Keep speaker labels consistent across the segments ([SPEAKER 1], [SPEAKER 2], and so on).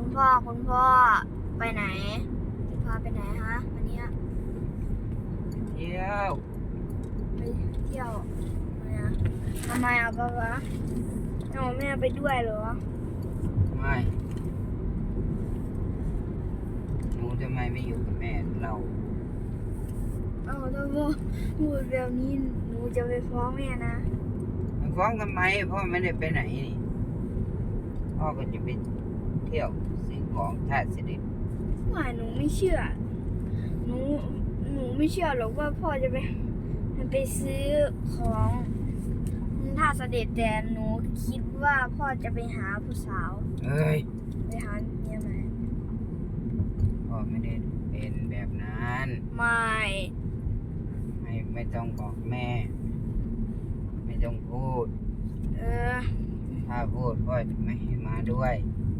[SPEAKER 1] คุณพ่อไปไหนจะพาไปไหนฮะวันนี้
[SPEAKER 2] เที่ยว
[SPEAKER 1] ไปเที่ยวเนี่ยทำไมอ่ะป๊าป๊าเอาแม่ไปด้วยเหรอ
[SPEAKER 2] ไม่หนูทำไมไม่อยู่กับแม่เรา
[SPEAKER 1] ถ้าพ่อพูดแบบนี้หนูจะไปฟ้องแม่นะ
[SPEAKER 2] มันฟ้องทำไมพ่อไม่ได้ไปไหนนี่พ่อก็จะไปเที่ยวซื้อของท่าเสด็จ
[SPEAKER 1] ว่าหนูไม่เชื่อหนูหนูไม่เชื่อหรอกว่าพ่อจะไปซื้อของท่าเสด็จแต่หนูคิดว่าพ่อจะไปหาผู้สาว
[SPEAKER 2] เอ้ย
[SPEAKER 1] ไปหาเมียใหม่
[SPEAKER 2] พ่อไม่ได้เป็นแบบนั้นไม่ต้องบอกแม่ไม่ต้องพูดถ้าพูดพ่อจะไม่ให้มาด้วย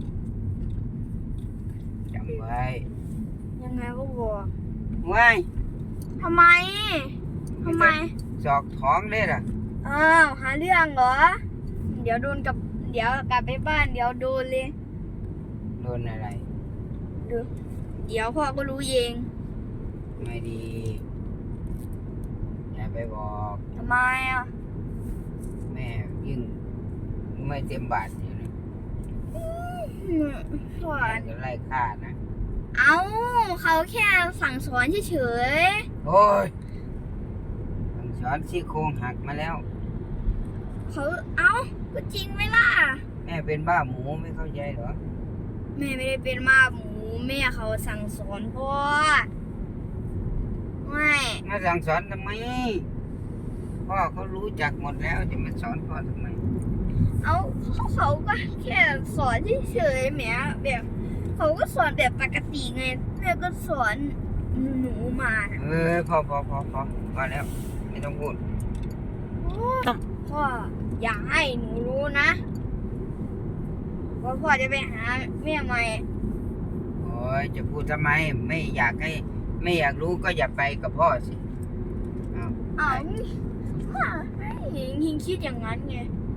[SPEAKER 2] จำไว้
[SPEAKER 1] ยังไงก็บอก
[SPEAKER 2] ไว้
[SPEAKER 1] ทำไม
[SPEAKER 2] สอกท้องได้ล่ะ
[SPEAKER 1] หาเรื่องเหรอเดี๋ยวกลับไปบ้านเดี๋ยวโดนเลย
[SPEAKER 2] โดนอะไร
[SPEAKER 1] เดี๋ยวพ่อก็รู้เอง
[SPEAKER 2] ไม่ดีอย่าไปบอก
[SPEAKER 1] ทำไมอ่ะ
[SPEAKER 2] แม่ยิ่งไม่เต็มบาทอยู่นะ
[SPEAKER 1] สอ
[SPEAKER 2] แม่
[SPEAKER 1] น
[SPEAKER 2] จะไล่ฆ่านะ
[SPEAKER 1] เขาแค่สั่งสอนเฉย
[SPEAKER 2] ๆโอ้ยสั่งสอนซี่โครงหักมาแล้ว
[SPEAKER 1] เขาก็จริงไหมล่ะ
[SPEAKER 2] แม่เป็นบ้าหมูไม่เข้าใจเหรอ
[SPEAKER 1] แม่ไม่ได้เป็นบ้าหมูแม่เขาสั่งสอนพ่อไม่
[SPEAKER 2] มาสั่งสอนทำไมพ่อเขารู้จักหมดแล้วจะมาสอนพ่อทำไม
[SPEAKER 1] เขาก็แค่สอนเฉยๆแหมแบบเขาก็สอนแบบปกติไงแม่ก็สอนหนูมา
[SPEAKER 2] พอแล้วไม่ต้องพูด
[SPEAKER 1] พ่ออยากให้หนูรู้นะว่าพ่อจะไปหาแม่ใหม่
[SPEAKER 2] โอ้ยจะพูดทำไมไม่อยากรู้ก็อย่าไปกับพ่อสิ
[SPEAKER 1] พ่อไม่ยิงคิดอย่างนั้นไง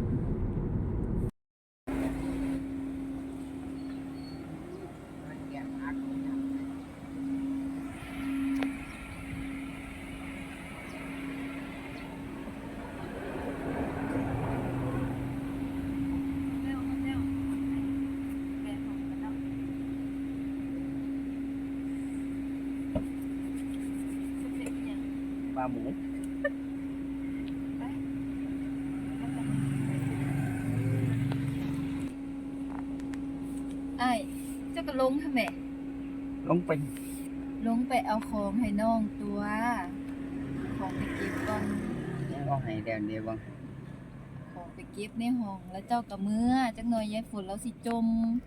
[SPEAKER 2] ปลาหมู
[SPEAKER 3] ไอ้เจ้าก็ลงทำไม
[SPEAKER 2] ลง
[SPEAKER 3] ไปเอาของให้น้องตัวของไปเก็บก่อน
[SPEAKER 2] เอาให้เดี๋ยวบ้าง
[SPEAKER 3] ของไปเก็บในห้องแล้วเจ้ากับมือจักหน่อยยายฝนแล้วสิจม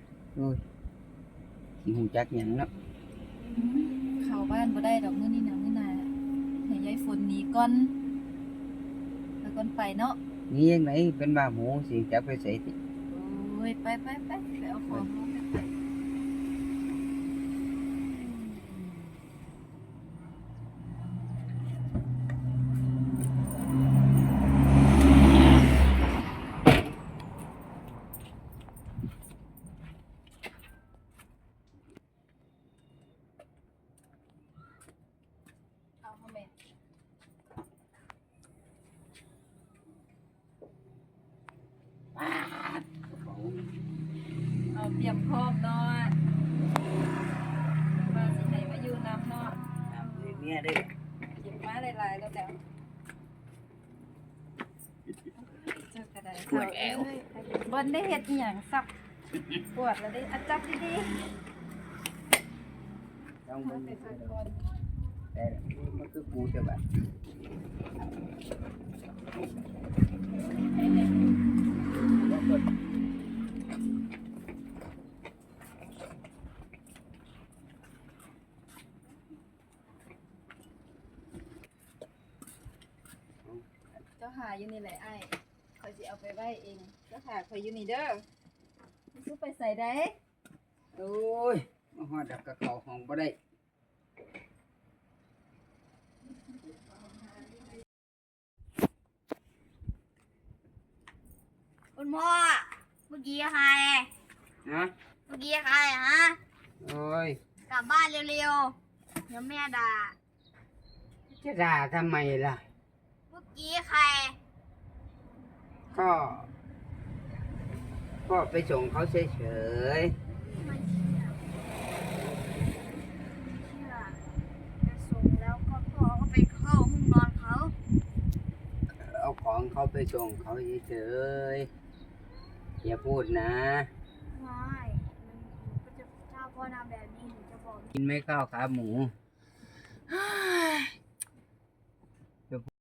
[SPEAKER 2] สิหูจักหยังเนาะ
[SPEAKER 3] เข้าบ้านบ่ได้ดอกมื้อนี้นะมื้อหน้าให้ยายฝนหนีก่อนแล้วก่อนไปเนาะ
[SPEAKER 2] นี่ยังไงเป็นบ้าหมูสิจับไปใส่ติ
[SPEAKER 3] โอ้ยไปเอาของลงไปเอาเตรียมพร้อมเนาะมาสิไหนมาอยู่น้ำเนาะ
[SPEAKER 2] เนี่ยได้
[SPEAKER 3] เก็บมาหลายๆแล้วเจ้ากระไดปวดแอวบนได้เห็ดอย่างสับปวดแล้วได้จับดี
[SPEAKER 2] ๆต้องไปพักก่อนแต่มันคือกูจะแบบ
[SPEAKER 3] เจ้าหาอยู่นี่แหละไอ้คอยสิเอาไปไว้เองเจ้าหาคอยอยู่นี่เด้อซื้อไปใส่ได้
[SPEAKER 2] โอ้ยมาหอดับกับเขาห้องบ่ได้
[SPEAKER 1] คุณพ่อเมื่อกี้ใคร
[SPEAKER 2] นะ
[SPEAKER 1] เมื่อกี้ใครฮะ
[SPEAKER 2] โอ้ย
[SPEAKER 1] กลับบ้านเร็วๆ เดี๋ยวแม่ด่า
[SPEAKER 2] จะด่าทำไมล่ะ
[SPEAKER 1] เมื่อกี้ใคร
[SPEAKER 2] ก็ไปส่งเขาเฉย
[SPEAKER 1] ไม่เชื่อไม่เชื่อจะส่งแล้วก็พ่อก็ไปเข้าห้องนอนเขา
[SPEAKER 2] ๆเอาของเขาไปส่งเขาเฉยๆอย่าพูดนะ
[SPEAKER 1] ไม่หนูก็จะถ้าพ่อทำแบบนี้หนูจะบอก
[SPEAKER 2] กินไม่ข้าวขาหมู